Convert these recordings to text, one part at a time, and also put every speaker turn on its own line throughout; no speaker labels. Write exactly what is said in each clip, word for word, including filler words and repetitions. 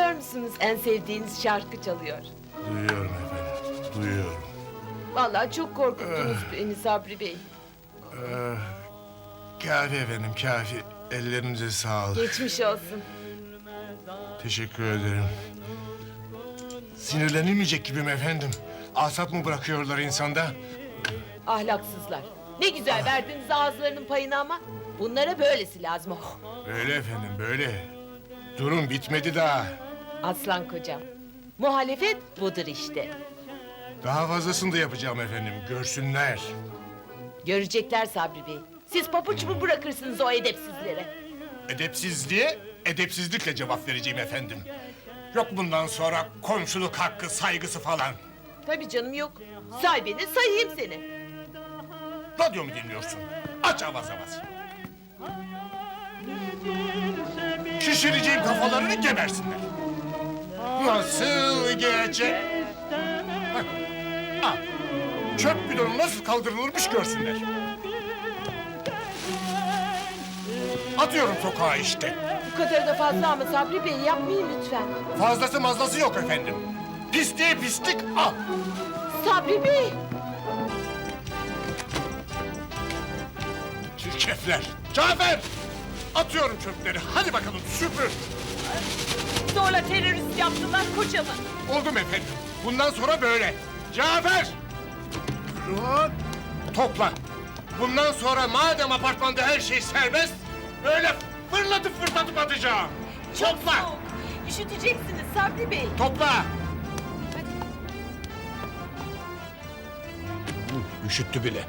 duyuyor musunuz? En sevdiğiniz şarkı çalıyor.
Duyuyorum efendim, duyuyorum.
Vallahi çok korkuttunuz beni Sabri Bey.
Ee, kafi efendim, kafi. Ellerinize sağlık.
Geçmiş olsun.
Teşekkür ederim. Sinirlenilmeyecek gibiyim efendim. Asap mı bırakıyorlar insanda?
Ahlaksızlar. Ne güzel verdiniz ağızlarının payını ama. Bunlara böylesi lazım. Oh.
Böyle efendim, böyle. Durum bitmedi daha.
Aslan kocam. Muhalefet budur işte.
Daha fazlasını da yapacağım efendim, görsünler.
Görecekler Sabri Bey. Siz papuç mu bırakırsınız o edepsizlere?
Edepsizliğe, edepsizlikle cevap vereceğim efendim. Yok bundan sonra komşuluk hakkı, saygısı falan.
Tabii canım yok. Say beni, sayayım seni.
Radyo mu dinliyorsun? Aç avaz avaz. Şişireceğim kafalarını gebersinler. Nasıl gelecek? Bak, al. Çöp bidonu nasıl kaldırılırmış görsünler. Atıyorum sokağa işte.
Bu kadar da fazla ama Sabri Bey yapmayın lütfen.
Fazlası mazlası yok efendim. Pisliğe pislik al.
Sabri Bey!
Çirkefler. Cafer! Atıyorum çöpleri. Hadi bakalım süpür.
Zorla terörist yaptılar kocamı.
Oldum efendim. Bundan sonra böyle. Cafer! Lan! Topla. Bundan sonra madem apartmanda her şey serbest, böyle fırlatıp fırlatıp atacağım.
Çok
Topla!
soğuk. Üşüteceksiniz Sabri Bey.
Topla! Üşüttü bile.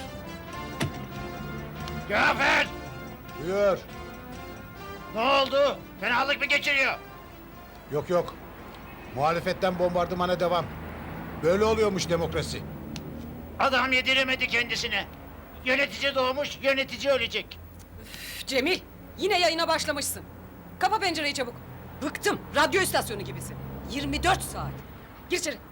Cafer!
Buyur.
Ne oldu? Fenalık mı geçiriyor?
Yok yok. Muhalefetten bombardımana devam. Böyle oluyormuş demokrasi.
Adam yediremedi kendisine. Yönetici doğmuş, yönetici ölecek.
Cemil, yine yayına başlamışsın. Kapa pencereyi çabuk. Bıktım, radyo istasyonu gibisin. yirmi dört saat. Gir içeri.